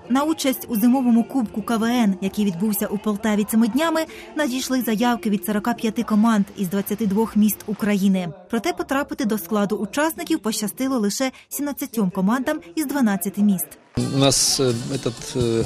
На участь у зимовому кубку КВН, який відбувся у Полтаві цими днями, надійшли заявки від 45 команд із 22 міст України. Проте потрапити до складу учасників пощастило лише 17 командам із 12 міст. У нас этот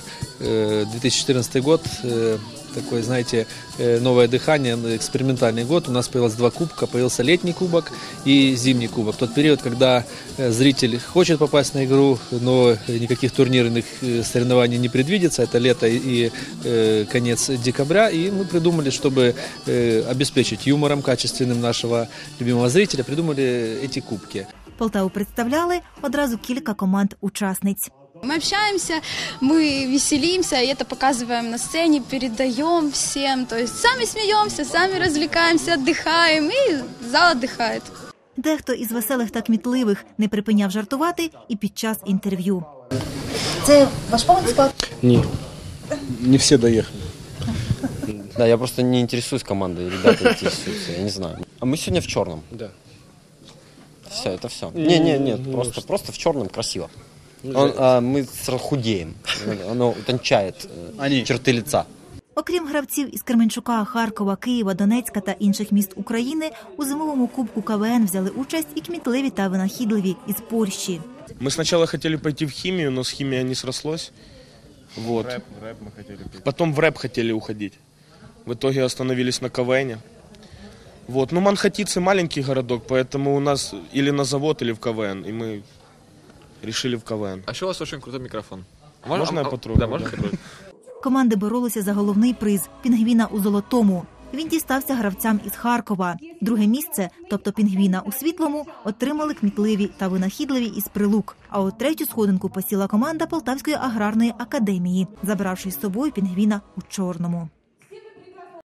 2014 год такой, знаете, новое дыхание, экспериментальный год. У нас появилось два кубка. Появился летний кубок и зимний кубок. Тот период, когда зритель хочет попасть на игру, но никаких турнирных соревнований не предвидится. Это лето и конец декабря. И мы придумали, чтобы обеспечить юмором качественным нашего любимого зрителя, придумали эти кубки. Полтаву представляли одразу кілька команд-учасниць. Мы общаемся, мы веселимся, и это показываем на сцене, передаем всем. То есть сами смеемся, сами развлекаемся, отдыхаем, и зал отдыхает. Дехто із веселих та кмітливих не припиняв жартувати і під час інтерв'ю. Це ваш повний склад? Ні, не всі доїхали. Да, я просто не интересуюсь командой, ребята интересуются, я не знаю. А мы сегодня в черном. Да. Все, это все. Нет, просто в черном красиво. Мы сразу худеем, оно утончает черты лица. Окрім гравців із Кременчука, Харкова, Києва, Донецька та інших міст України, у зимовому кубку КВН взяли участь і кмітливі та винахідливі із Польщі. Мы сначала хотели пойти в химию, но с химией не срослось. Вот. Рэп мы хотели петь. Потом в рэп хотели уходить. В итоге остановились на КВНе. Вот. Ну, Манхатицы маленький городок, поэтому у нас или на завод, или в КВН. И мы решили в КВН. А еще у вас очень крутой микрофон. Можно я потрогаю? Да, можно потрогать. Команди боролися за головний приз – «Пінгвіна у золотому». Він дістався гравцям із Харкова. Друге місце, тобто «Пінгвіна у світлому», отримали кмітливі та винахідливі із Прилук. А от третю сходинку посіла команда Полтавської аграрної академії, забравши з собою «Пінгвіна у чорному».